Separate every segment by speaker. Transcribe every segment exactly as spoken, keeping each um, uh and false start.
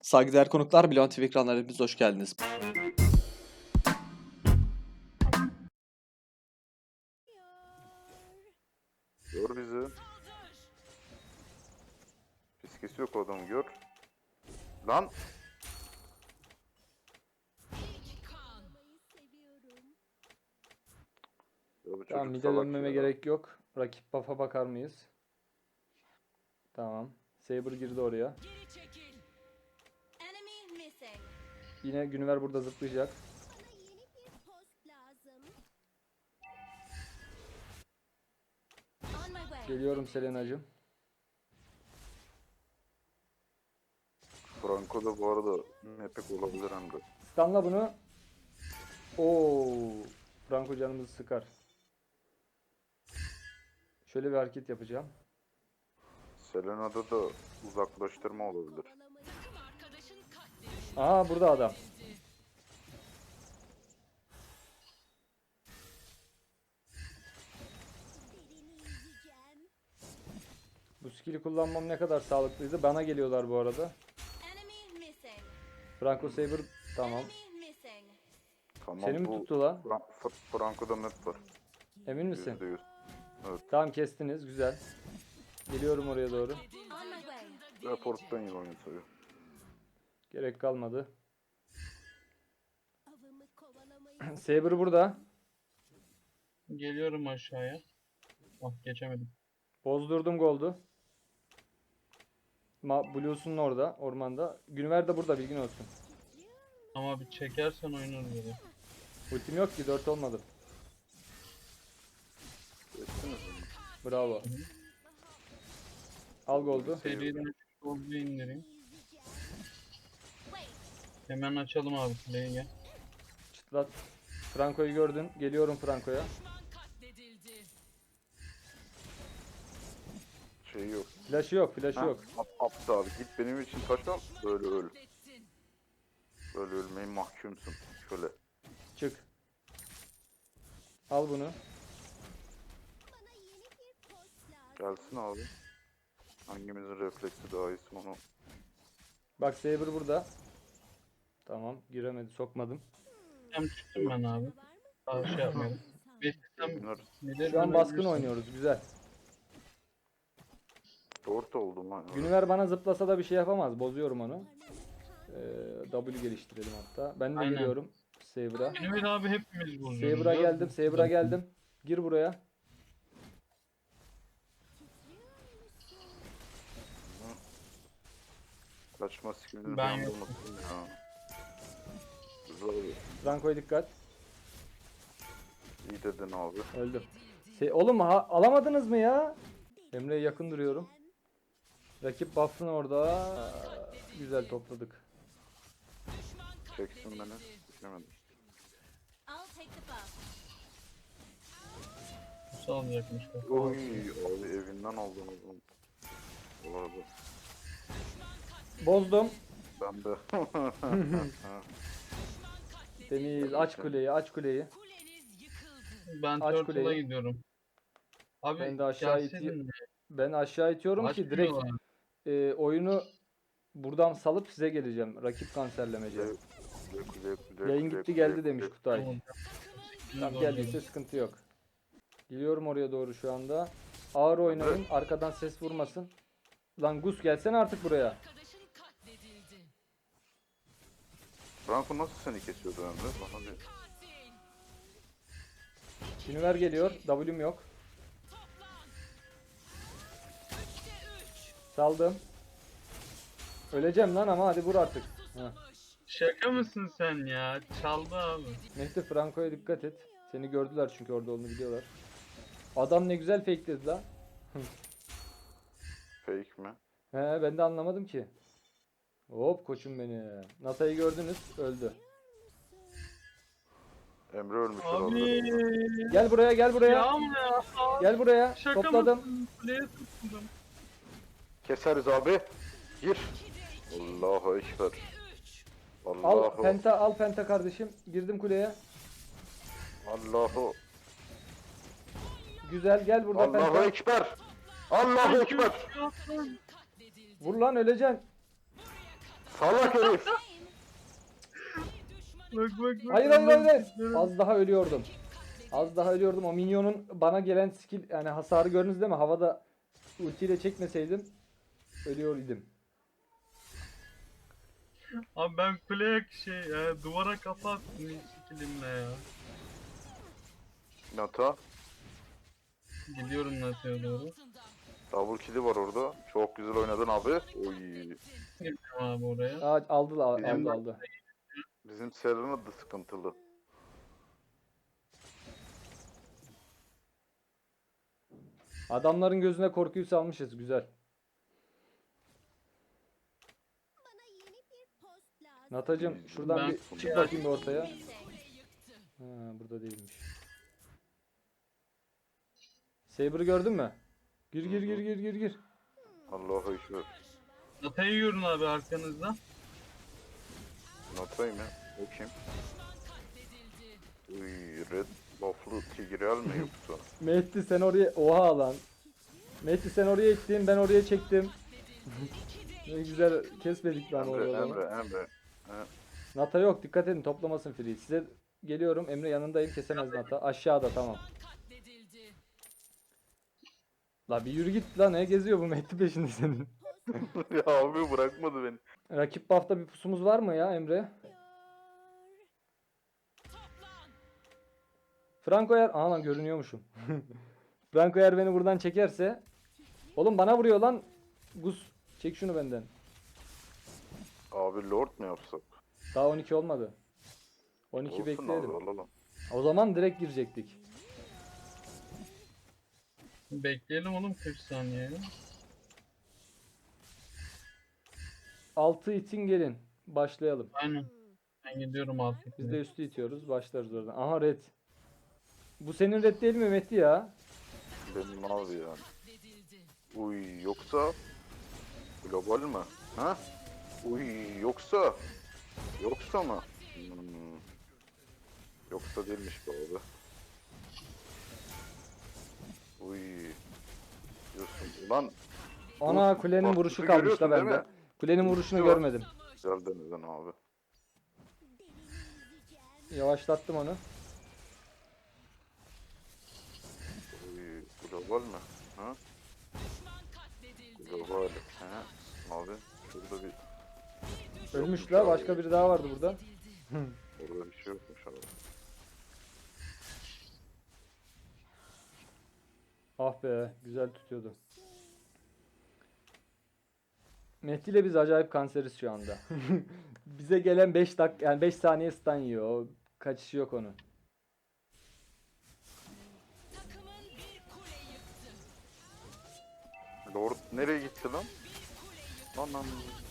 Speaker 1: Saygıdeğer konuklar, Bilon T V ekranlarına hepiniz hoş geldiniz.
Speaker 2: Gör bizi. Fiskesi yok o adamı gör. Lan! Ya bu
Speaker 3: Tamam,
Speaker 2: çocuk
Speaker 3: mide
Speaker 2: salak
Speaker 3: dönmeme
Speaker 2: ya.
Speaker 3: gerek yok. Rakip buff'a bakar mıyız? Tamam. Saber girdi oraya.
Speaker 4: Geri çekil. Enemy missing.
Speaker 3: Yine Günüver burada zıplayacak.
Speaker 4: Bana yeni bir post lazım. On my way.
Speaker 3: Geliyorum Selena'cığım.
Speaker 2: Franco da bu arada mepek olabilir hem de.
Speaker 3: Stunla bunu. Oo, Franco canımızı sıkar. Şöyle bir hareket yapacağım.
Speaker 2: Selena'da da uzaklaştırma olabilir.
Speaker 4: Takım arkadaşın katledildi.
Speaker 3: Aa, burada adam.
Speaker 4: Birini yüzeceğim.
Speaker 3: Bu skill'i kullanmam ne kadar sağlıklıydı. Bana geliyorlar bu arada.
Speaker 4: Enemy missing.
Speaker 3: Franco Saber tamam.
Speaker 4: Enemy missing.
Speaker 2: Tamam
Speaker 3: Seni mi
Speaker 2: bu
Speaker 3: tuttu lan?
Speaker 2: Fra Fra Franco'da net var.
Speaker 3: Emin misin?
Speaker 2: yüzde yüz. Evet.
Speaker 3: Tamam, kestiniz. Güzel. Geliyorum oraya doğru.
Speaker 4: On my way.
Speaker 2: Report'tan iyi oynatıyor.
Speaker 3: Gerek kalmadı.
Speaker 4: Avımı kovalamayı
Speaker 3: Saber burada.
Speaker 5: Geliyorum aşağıya. Ah geçemedim.
Speaker 3: Bozdurdum Gold'u. Ma Blues'un orada, ormanda. Günüver de burada, bilgin olsun.
Speaker 5: Ama bir çekersen oynarız böyle.
Speaker 3: Ultim yok ki, dört olmadım.
Speaker 2: Geçtiniz mi?
Speaker 3: Bravo. Al Gold'u.
Speaker 5: Seriden golü indireyim.
Speaker 4: yüzeceğim. Wait.
Speaker 5: Hemen açalım abi play'i gel.
Speaker 3: Çıtlat. Franco'yu gördün. Geliyorum Franco'ya.
Speaker 4: Düşman katledildi.
Speaker 2: Şey yok.
Speaker 3: Flash'ı yok, flash'ı
Speaker 2: Ha?
Speaker 3: yok.
Speaker 2: Ap aptal git benim için taşan böyle öl.
Speaker 4: Katletsin.
Speaker 2: Böyle ölmeyi mahkumsun. Şöyle.
Speaker 3: Çık. Al bunu.
Speaker 4: Bana yeni bir post lazım.
Speaker 2: Gelsin abi. Hangimizin refleksi daha iyisi onu.
Speaker 3: Bak Saber burada. Tamam, giremedi, sokmadım.
Speaker 5: Hem çıktım ben abi. Daha şey yapmayalım. Beklesem
Speaker 2: Bunlar
Speaker 5: neler
Speaker 3: Şu an baskın
Speaker 5: dönebilirsin.
Speaker 3: oynuyoruz, güzel.
Speaker 2: dört oldum lan.
Speaker 3: Günüver bana zıplasa da bir şey yapamaz, bozuyorum onu. Ee, W geliştirelim hatta. Ben de
Speaker 5: Aynen.
Speaker 3: geliyorum Saber'a.
Speaker 5: Mehmet abi hepimiz bozuyoruz.
Speaker 3: Saber'a
Speaker 5: ya.
Speaker 3: geldim, Saber'a geldim. Gir buraya.
Speaker 2: Kaçma skillini
Speaker 5: Ben
Speaker 2: ben
Speaker 5: yokum.
Speaker 2: unuttum ya. Güzel oluyor.
Speaker 3: Franco'ya dikkat.
Speaker 2: İyi dedin abi.
Speaker 3: Öldüm. Şey, oğlum ha, alamadınız mı ya? Emre'ye yakın duruyorum. Rakip buff'ın orada. Güzel topladık.
Speaker 4: Düşman
Speaker 2: Çeksin
Speaker 4: katledildi.
Speaker 2: beni. Düşemedim.
Speaker 4: I'll take the buff.
Speaker 5: Nasıl alacakmış bak.
Speaker 2: Oy abi evinden aldım o zaman. Bu arada
Speaker 3: Bozdum.
Speaker 2: ben de.
Speaker 3: Deniz aç kuleyi, aç kuleyi.
Speaker 4: Kuleniz yıkıldı.
Speaker 5: Ben
Speaker 3: Aç
Speaker 5: Turtle'a
Speaker 3: kuleyi.
Speaker 5: gidiyorum. Abi
Speaker 3: Ben de aşağı
Speaker 5: gelseydin
Speaker 3: itiyorum.
Speaker 5: de.
Speaker 3: Ben aşağı itiyorum ki direkt
Speaker 5: Açmıyorlar.
Speaker 3: e, oyunu buradan salıp size geleceğim. Rakip kanserlemece.
Speaker 2: Kule, kule, kule,
Speaker 3: Yayın
Speaker 2: kule,
Speaker 3: gitti
Speaker 2: kule,
Speaker 3: geldi
Speaker 2: kule.
Speaker 3: demiş Kutay.
Speaker 5: Tamam.
Speaker 3: Tamam, geldiyse sıkıntı yok. Geliyorum oraya doğru şu anda. Ağır oynayın. Arkadan ses vurmasın. Lan Gus gelsene artık buraya.
Speaker 4: Arkadaşın katledildi.
Speaker 2: Franco nasıl seni kesiyordu Emre? Bana bir
Speaker 4: Katil.
Speaker 3: Günüver geliyor. W'm yok.
Speaker 4: Toplan. Üçte üç.
Speaker 3: Saldım. Öleceğim lan ama hadi vur artık. Heh.
Speaker 4: Susamış.
Speaker 5: Şaka mısın sen ya? Çaldı abi.
Speaker 3: Mehdi Franco'ya dikkat et. Seni gördüler çünkü orada olduğunu biliyorlar. Adam ne güzel fakeledi lan.
Speaker 2: fake mi?
Speaker 3: He, ben de anlamadım ki. Hop koçum beni. Nasa'yı gördünüz, öldü.
Speaker 2: Emre ölmüş
Speaker 5: Abi.
Speaker 2: olabilir.
Speaker 3: Gel buraya, gel buraya.
Speaker 5: Ya ama ya.
Speaker 3: Gel buraya.
Speaker 5: Şaka
Speaker 3: Topladım.
Speaker 5: mısın? Play'e tutundum.
Speaker 2: Keseriz abi. Gir. Allahu ekber.
Speaker 4: Üç.
Speaker 3: Al
Speaker 2: Allahu.
Speaker 3: penta, al penta kardeşim. Girdim kuleye.
Speaker 2: Allahu.
Speaker 3: Güzel, gel burada
Speaker 2: Allahu
Speaker 3: penta.
Speaker 2: ekber. Allahu ekber.
Speaker 4: Katledildi.
Speaker 3: Vur lan, öleceksin.
Speaker 2: Salak herif.
Speaker 5: Bak bak bak.
Speaker 3: Hayır hayır hayır. hayır. Az daha ölüyordum. Az daha ölüyordum. O minyonun bana gelen skill yani hasarı gördünüz değil mi? Havada ultiyle çekmeseydim ölüyor idim.
Speaker 5: Abi ben kuleye şey e, duvara kafa attım skillimle ya.
Speaker 2: Nata.
Speaker 5: Gidiyorum Nate'ye doğru.
Speaker 2: Double kill'i var orada. Çok güzel oynadın abi. Oy.
Speaker 5: Gidiyorum abi oraya.
Speaker 3: Aa, aldı la- aldı
Speaker 2: Bizim-
Speaker 3: aldı.
Speaker 2: Bizim Serena da sıkıntılı.
Speaker 3: Adamların gözüne korkuyu salmışız güzel.
Speaker 4: Bana yeni bir post lazım.
Speaker 3: Natacım şuradan
Speaker 5: Ben-
Speaker 3: bir çık bakayım bir ortaya. Ha, burada değilmiş. Saber'ı gördün mü? Gir gir gir gir gir gir.
Speaker 2: Allah'a şükür.
Speaker 5: Nate'yi yiyorum abi arkanızda.
Speaker 2: Nata'yı mı? O kim? Uy, red buff'lu Tigreal mi yoksa?
Speaker 3: Mehdi sen oraya oha lan. Mehdi sen oraya ittin ben oraya çektim. Ne güzel kesmedik lan
Speaker 2: Emre,
Speaker 3: orada.
Speaker 2: Emre, Emre.
Speaker 3: Nata yok dikkat edin toplamasın free. Size geliyorum Emre yanındayım kesemez Nata. Aşağıda tamam. La bir yürü git lan ne geziyor bu Mehdi peşinde senin.
Speaker 2: Ya abi bırakmadı beni.
Speaker 3: Rakip buff'ta bir pusumuz var mı ya Emre? Franco eğer... Aha lan görünüyormuşum. Franco eğer beni buradan çekerse... Oğlum bana vuruyor lan. Gus çek şunu benden.
Speaker 2: Abi Lord mu yapsak?
Speaker 3: Daha on iki olmadı. on iki
Speaker 2: Olsun
Speaker 3: bekleyelim.
Speaker 2: abi alalım.
Speaker 3: O zaman direkt girecektik.
Speaker 5: Bekleyelim oğlum kırk saniye.
Speaker 3: altı itin gelin. Başlayalım.
Speaker 5: Aynen. Ben gidiyorum artık.
Speaker 3: Biz de üstü itiyoruz. Başlarız oradan. Aha red. Bu senin red değil mi Mehdi ya?
Speaker 2: Benim abi yani. Uy yoksa global mi? Ha? Uy yoksa yoksa mı? Hmm. Yoksa değilmiş bu abi. Uy diyorsun. Ulan
Speaker 3: Ana
Speaker 2: Bu-
Speaker 3: kulenin
Speaker 2: bak,
Speaker 3: vuruşu
Speaker 2: bunu
Speaker 3: kalmış
Speaker 2: görüyorsun
Speaker 3: da
Speaker 2: değil
Speaker 3: bende.
Speaker 2: mi?
Speaker 3: Kulenin vuruşunu
Speaker 2: Ultisi var.
Speaker 3: görmedim.
Speaker 2: güzel denedin abi.
Speaker 3: Yavaşlattım onu.
Speaker 2: Uy global mi? Ha? Global. Ha? Abi şurada bir
Speaker 3: Ölmüş la. Başka biri daha vardı burada.
Speaker 2: orada bir şey yokmuş abi.
Speaker 3: Ah be. Güzel tutuyordu. Mehdi ile biz acayip kanseriz şu anda. Bize gelen beş dak yani beş saniye stun yiyor. O kaçışı yok onun.
Speaker 2: Lord nereye gitti lan? Anam.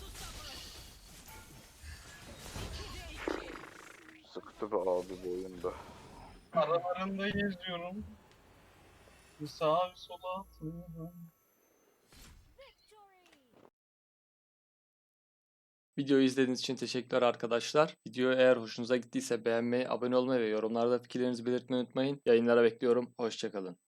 Speaker 2: Sıktı be abi bu oyunda.
Speaker 5: Aralarında geziyorum. Bir sağa bir sola atıyorum.
Speaker 1: Videoyu izlediğiniz için teşekkürler arkadaşlar. Video eğer hoşunuza gittiyse beğenmeyi, abone olmayı ve yorumlarda fikirlerinizi belirtmeyi unutmayın. Yayınlara bekliyorum. Hoşça kalın.